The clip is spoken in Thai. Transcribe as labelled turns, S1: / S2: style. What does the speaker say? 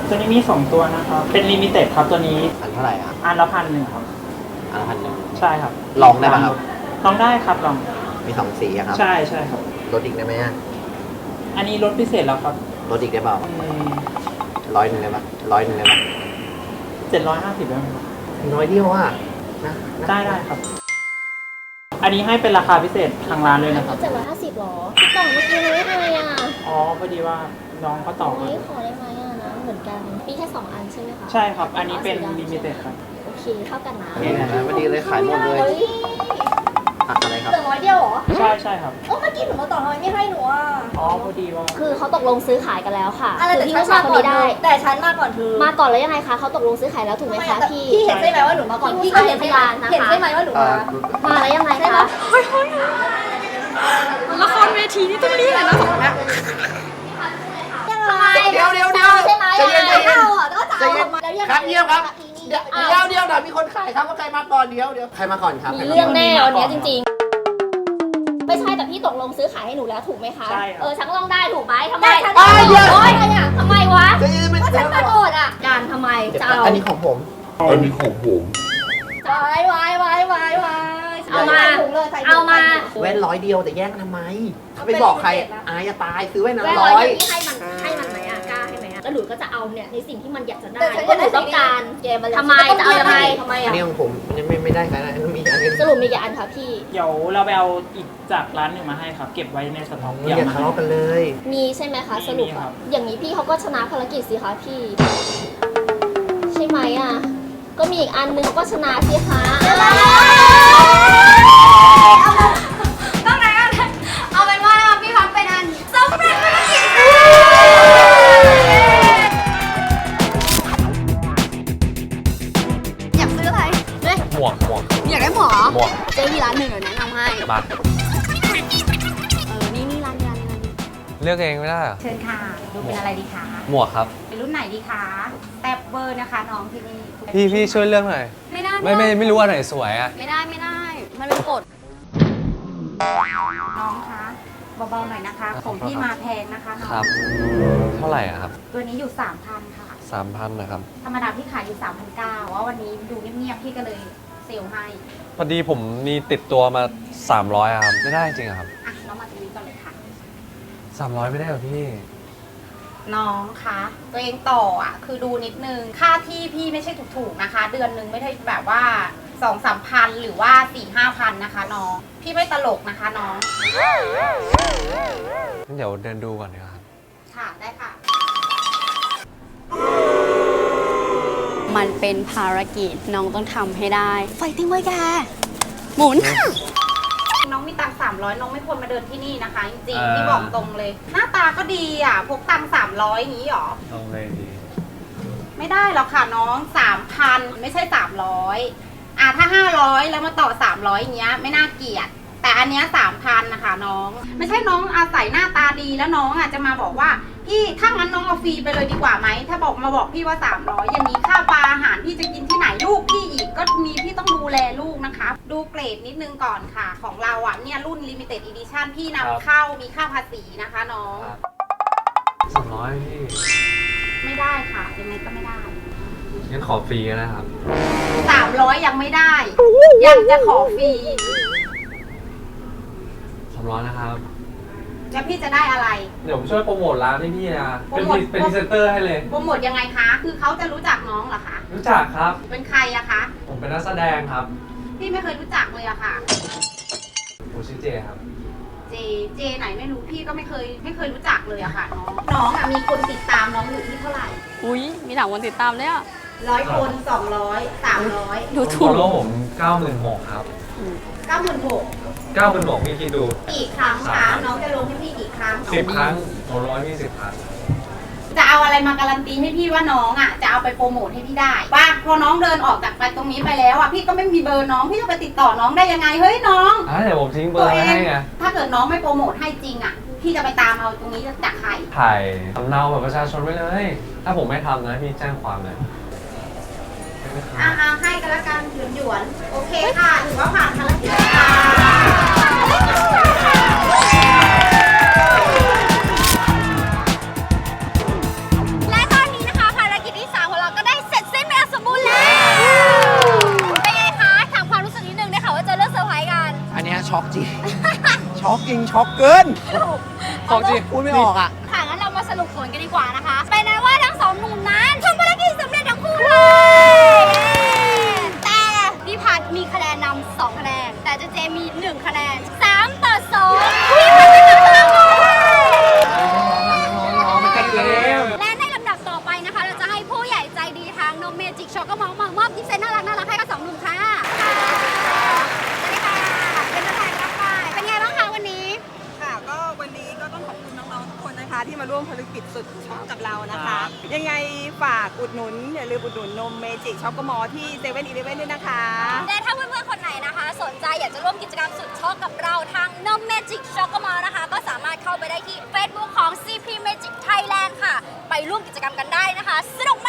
S1: ตัวนี้มี2ตัวนะครับเป็นลิมิเต็ดครับตัวนี้
S2: อันเท่าไหร่ครับ
S1: อันละ1,100ครับ
S2: อันละ1,100
S1: ใช่ครับ
S2: ลองได้ป่ะครับ
S1: ลองได้ครับลอง
S2: มี2 สีครับ
S1: ใช่ใช่ครับ
S2: ลดอีกได้ไหม
S1: อันนี้ลดพิเศษแล้วครับ
S2: ลดอีกได้เปล่า100ได้ป่ะ100ได้ป่ะ
S1: 750ได้ไหม
S2: น้อยเดียวอ่ะนะ
S1: ได้ครับอันนี้ให้เป็นราคาพิเศษทางร้านเลยนะครับ
S3: 750หรอพี่ต่อเมื่อกี้เลยไม่เลยอ่ะ
S1: อ๋อพอดีว่าน้องเขาต่อมา
S3: ขอได้ไหมอ่ะนะเหมือนกันมีแค่2 อันใช่ไหมคะ
S1: ใช่ครับอันนี้เป็นลิมิเต็ดครับ
S3: โอเคเท่ากันนะ
S2: นี่นะพอดีเลยขายหมดเลยอะไรครับ
S3: เหลือ100เดียวเหรอ
S1: ใช่ครับ
S3: เมื่อกี้หนูมาต่อทำไมไม่ให้หนูอ่ะ
S1: อ๋อพอดีว่า
S3: คือเขาตกลงซื้อขายกันแล้วค่ะ
S4: อะไรแต่ฉันมาก่อนแต่ฉันมาก่อนเธอ
S3: มาก่อนแล้วยังไงคะเขาตกลงซื้อขายแล้วถูกไหมคะพี่
S4: เห็นใช่ไหมว่าหนูมาก่อน
S3: พี่ก็เห็นพยานนะคะ
S4: เห็นใช่ไหมว่าหนู
S3: มาแล้วยังไงคะ
S4: ละครเวทีนี่ต้องรีบเลยนะ2คนนี้
S2: เดี๋ยว
S3: ใช่ไหม
S2: ใจเย็น
S4: ก็จะเอามาแล้วยัง
S2: ครับเยี่ยมครับเดี๋ยวมีคนขายครับว่าใครมาก่อนเดี๋ยวใครมาก่อนครับ
S3: มีเรื่องแน่วันนี้จริงๆไม่ใช่แต่พี่ตกลงซื้อขายให้หนูแล้วถูกไหมคะ
S1: ใช่
S3: ฉันก็ต้องได้ถูกไหมทำไมทำไมวะ
S4: ฉันมาโกรธอ่ะ
S3: การทำไมจะเอา
S2: อันนี้ของผม
S4: วาย
S3: เอามา
S2: แว่น100เดียวแต่แย่งทำไมไปบอกใครอายจะตายซื้อแว่นนั้น
S3: 100พี่ให้มันไหมอ่ะกล้าให้ไหมอ่ะแล้วหนูก็จะเอาเนี่ยในสิ่งที่มันอยากจะได้ก็หนูต้องการทำไมจะเอายังไงทำไมอ่ะ
S2: อันนี้ของผมไม่ได้ใครนะมีอันนี้
S3: สรุปมีกี่อันคะพี่
S1: เดี๋ยวเราไปเอาอีกจากร้านหนึ่งมาให้ครับเก็บไว้ในสต็อก
S2: อย่าทะเลาะกันเลย
S3: มีใช่ไหมคะสรุปอย่างนี้พี่เขาก็ชนะภารกิจสิคะพี่ใช่ไหมอ่ะก็มีอีกอันนึงเขาก็ชนะสิคะ
S4: ต้องไหนอ่ะเอาเป็นว่าพี่พักเป็นอันสำเร็จภารกิจอยากซื้ออะไร
S5: หมวก
S4: อยากได้หมวกเจ๊มีร้านหนึ่งเดี๋ยวแนะนำให้
S5: มา
S4: นี่ร้าน
S5: เลือกเองไม่ได้เหรอ
S4: เชิญค่ะดูเป็นอะไรดีคะ
S5: หมวกครับ
S4: เป็นรุ่นไหนดีคะแท็บเบอร์นะคะน้องที่นี่
S5: พี่ช่วยเลือกหน่อย
S4: ไม่ได้
S5: ไม่รู้ว่าไหนสวยอ่ะ
S4: ไม่ได้มันเป็นกฎน้องคะเบาๆหน่อยนะคะของพี่มาแพงนะคะ
S5: ครับเท่าไหร่อะครับ
S4: ตัวนี้อยู่ 3,000 ค่ะ
S5: 3,000นะครับ
S4: ธรรมดาพี่ขายอยู่ 3,900ว่าวันนี้ดูเงียบๆพี่ก็เลยเซลล์ให้
S5: พอดีผมมีติดตัวมา300ครับไม่ได้จริงครับ
S4: น้องมาตรงนี้ก่อนเลยค่ะ
S5: 300ไม่ได้หรอพี่
S4: น้องคะตัวเองต่อคือดูนิดนึงค่าที่พี่ไม่ใช่ถูกๆนะคะเดือนนึงไม่ใช่แบบว่า 2-3 พันหรือว่า 4-5 พันนะคะน้องพี่ไม่ตลกนะคะน้อง
S5: งั้นเดี๋ยวเดินดูก่อนดีกว่า
S4: ค่ะได้ค่ะมันเป็นภารกิจน้องต้องทำให้ได้ไฟติ้งไว้แกหมุนน้องมีตังค์300น้องไม่ควรมาเดินที่นี่นะคะจริงๆพี่บอกตรงเลยหน้าตาก็ดีพกตังค์300อย่างนี้หรอ
S5: ตรงเลยดี
S4: ไม่ได้หรอกค่ะน้อง 3,000 ไม่ใช่300ถ้า500แล้วมาต่อ300อย่างเงี้ยไม่น่าเกลียดแต่อันเนี้ย 3,000 นะคะน้องไม่ใช่น้องอาศัยหน้าตาดีแล้วน้องจะมาบอกว่าพี่ถ้างั้นน้องเอาฟรีไปเลยดีกว่าไหมถ้าบอกพี่ว่า300อย่างนี้ค่าปลาอาหารพี่จะกินที่ไหนลูกพี่อีกก็มีพี่ต้องดูแลลูกนะคะดูเกรดนิดนึงก่อนค่ะของเราเนี่ยรุ่น Limited Edition พี่นำเข้ามีค่าภาษีนะคะน้อง
S5: 300พี่
S4: ไม่ได้ค่ะยังไงก็ไม่ได้
S5: งั้นขอฟรีก็ได้ครับ
S4: 300ยังไม่ได้ยังจะขอฟรี
S5: 300นะครับ
S4: แล้วพี่จะได้อะไร
S5: เดี๋ยวผมช่วยโปรโมทร้านให้พี่นะเป็นพรีเซนเตอร์ให้เลย
S4: โปรโมทยังไงคะคือเขาจะรู้จักน้องเหรอคะ
S5: รู้จักครับ
S4: เป็นใครอะคะ
S5: ผมเป็นนักแสดงครับ
S4: พี่ไม่เคยรู้จักเลยอะค่ะ
S5: ผมชื่อเจครับ
S4: เจไหนไม่รู้พี่ก็ไม่เคยรู้จักเลยอะค่ะน้องมีคนติดตามน้องอยู่ที่เท่าไหร่
S3: อุ้ยมีหลายคนติดตามเลยอะ
S4: 100 คน200 300
S5: ดูถูกแล้วผม96,000ครับ
S4: 96,000
S5: พี่คิดดู
S4: กี่ครั้งคะน้องจะลงให้พี่กี่ครั้ง
S5: 10 ครั้ง100พี่10 ครั้ง
S4: จะเอาอะไรมาการันตีให้พี่ว่าน้องจะเอาไปโปรโมทให้พี่ได้ว่าพอน้องเดินออกจากไปตรงนี้ไปแล้วพี่ก็ไม่มีเบอร์น้องพี่จะไปติดต่อน้องได้ยังไงเฮ้ยน้อง
S5: เดี๋ยวผมทิ้งเบอร์ให้ไง
S4: ถ้าเกิดน้องไม่โปรโมทให้จริงพี่จะไปตามเอาตรงนี้จากใคร
S5: ถ่ายสำเนาแบบประชาชนไว้เลยถ้าผมไม่ทำนะพี่แจ้งความเลย
S4: ให้กันละกันหยวนโอเคค่ะถือว่าผ่านภารกิจค่ะและตอนนี้นะคะภารกิจ
S2: ช็อกเกิน
S5: ของจริง
S2: พูดไม่ออกอ่ะ
S3: ค่ะงั้นเรามาสรุปผลกันดีกว่านะคะเป็นนั้นว่าทั้งสองหนุ่มนั้นทำภารกิจสำเร็จทั้งคู่เลย แต่พี่พัดมีคะแนนนำ2คะแนนแต่เจมี1คะแนน3-2พี่พัดเป็นผู้ชนะและในลำดับต่อไปนะคะ เราจะให้ผู้ใหญ่ใจดีทางนมเมจิกช็อกก็มามอบกิฟต์เซตน่ารักให้กับ2หนุ่มค่ะสวัสดีค่ะเป็นตัวแทนรับไปเป็นไงบ้างคะวันนี้
S6: ค่ะก็วันนี้ก็ต้องขอบคุณน้องๆทุกคนนะคะ ที่มาร่วมภารกิจสุดช็อกกับเรานะคะ ยังไงฝากอุดหนุนอย่าลืมอุดหนุนนมเมจิกช็อกโกมอที่เซเว่นอีเลฟเว่นด้วยนะคะ
S3: และถ้าเพื่อนๆคนไหนนะคะ สนใจอยากจะร่วมกิจกรรมสุดช็อกกับเราทางนมเมจิกช็อกโกมอนะคะ ก็สามารถเข้าไปได้ที่ Facebook ของ CP Magic Thailand ค่ะ ไปร่วมกิจกรรมกันได้นะคะสนุก